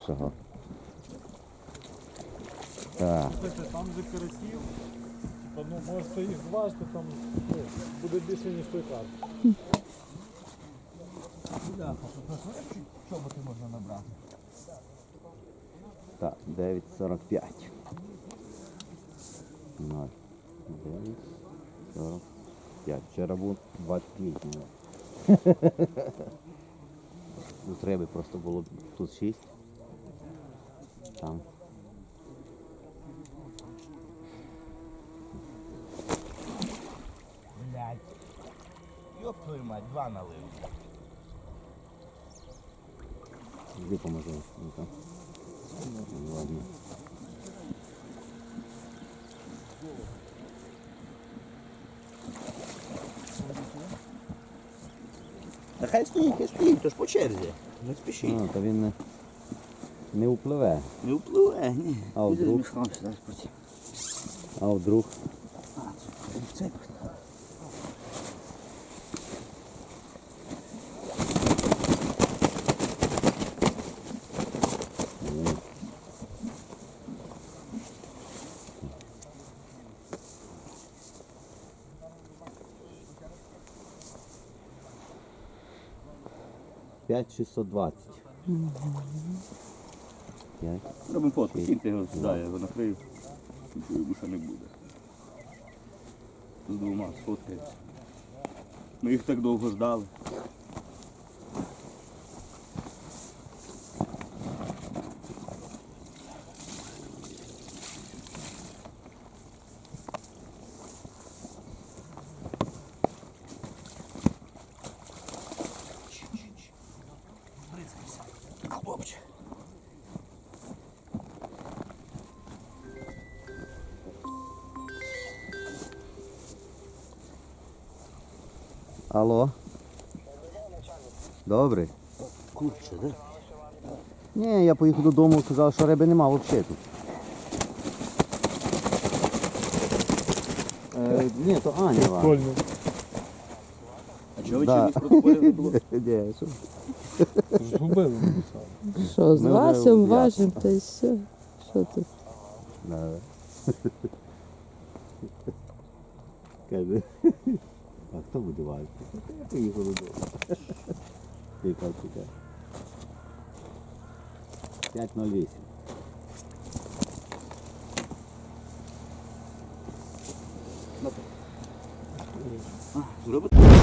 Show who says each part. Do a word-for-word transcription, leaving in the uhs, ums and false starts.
Speaker 1: Чого? Так.
Speaker 2: Там же карасів, типа, ну можете їх зважити, там ну, буде більше, ніж той карп.
Speaker 3: Чого ти можна набрати?
Speaker 1: Так, дев'ять сорок п'ять. ноль. дев'ять сорок п'ять. Вчора був двадцять вісім. Тут риби просто було тут шість. Там.
Speaker 3: Блядь. Йоп твою мать, два налив.
Speaker 1: Іди поможи. Ну-ка. Ладно.
Speaker 3: Та хай стоїть, хай стоїть, то ж по черзі. Не спішіть.
Speaker 1: А, то він не, не впливе.
Speaker 3: Не впливе, ні.
Speaker 1: А вдруг? А вдруг?
Speaker 3: А, це
Speaker 1: п'ять шістсот двадцять. п'ять.
Speaker 4: Робимо фотку, кіньте його сюди, я його накрию. Нічого більше не буде. З двома сфоткається. Ми їх так довго ждали.
Speaker 3: хлопче.
Speaker 1: Алло. Добрий.
Speaker 3: Курче, да?
Speaker 1: Ні, я поїхав додому, сказав, що риби нема взагалі тут. Е, ні, то Аня вам.
Speaker 2: Прикольно.
Speaker 4: А чого ви
Speaker 1: Да.
Speaker 4: чимось протоколів не було?
Speaker 1: Ні, що?
Speaker 2: Згубили написали.
Speaker 5: Що, з
Speaker 1: Ми
Speaker 5: Васем
Speaker 1: вже
Speaker 5: важим, та й все. Що тут?
Speaker 1: Да. Каже, а хто буде важити? Я поїхав додому. Яка чекає. п'ять нуль вісім.
Speaker 4: Зробите?